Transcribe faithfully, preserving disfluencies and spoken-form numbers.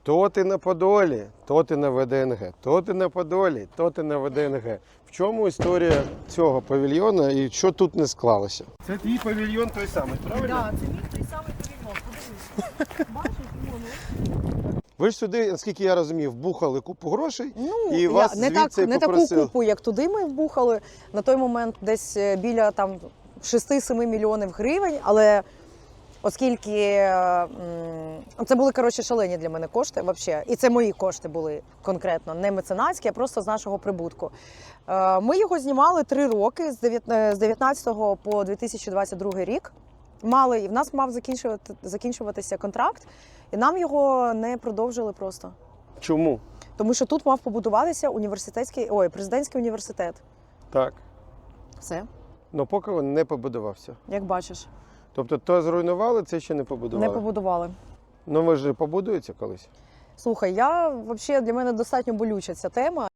То ти на Подолі, то ти на ВДНГ, то ти на Подолі, то ти на ВДНГ. В чому історія цього павільйона і що тут не склалося? Це твій павільйон той самий, правильно? Так, це мій той самий павільйон. Подивись. Бачиш, воно. Ви ж сюди, наскільки я розумів, вбухали купу грошей Ну, і я, вас не, так, звідси не таку попросили. купу, як туди ми вбухали. На той момент десь е, біля там шість-сім мільйонів гривень, але оскільки м, це були, коротше, шалені для мене кошти, вообще. І це мої кошти були конкретно, не меценатські, а просто з нашого прибутку. Е, Ми його знімали три роки, з дев'ятнадцятого по дві тисячі двадцять другий рік. Мали, і в нас мав закінчувати, закінчуватися контракт, і нам його не продовжили просто. Чому? Тому що тут мав побудуватися університетський, ой, президентський університет. Так. Все, Ну поки він не побудувався. як бачиш, Тобто то зруйнували, це ще не не побудували? побудували. Ну ви ж побудується колись? Слухай, я взагалі для мене достатньо болюча ця тема.